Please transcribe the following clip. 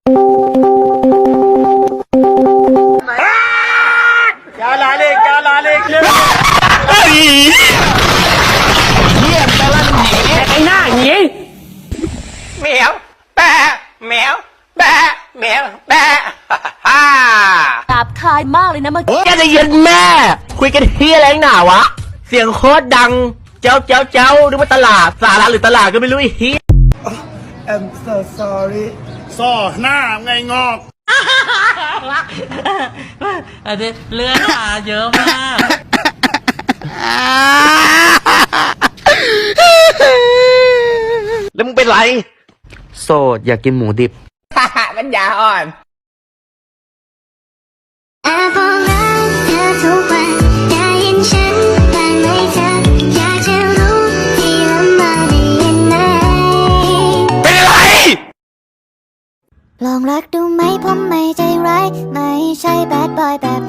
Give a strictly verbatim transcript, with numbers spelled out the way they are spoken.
क्या लाले क्या लालेเยี่ยมแต่ละหนีไอ้หน้าหนีแมวแปะแมวแปะแมวแปะฮ่าหยาบคายมากเลยนะเมื่อกี้แกจะย็นแม่คุยกันเฮียอะไรหนาวะเสียงโคตรดังเจ้าเจ้าเจ้าหรือว่าตลาดสาระหรือตลาดก็ไม่รู้ไอ้เฮีย I'm so sorry ซ่อหน้าไงงอกอันนี้เลือดมาเยอะมากแล้วมึงเป็นไรโสดอยากกินหมูดิบปัญญาอ่อนแอบบอกรักเธอทุกวันได้ยินฉันบ้างไหมเธออยากจะรู้ที่ลำบากได้ยินไหมเป็นอะไรลองรักดูไหมผมไม่ใจร้ายไม่ใช่แบดบอยแบบ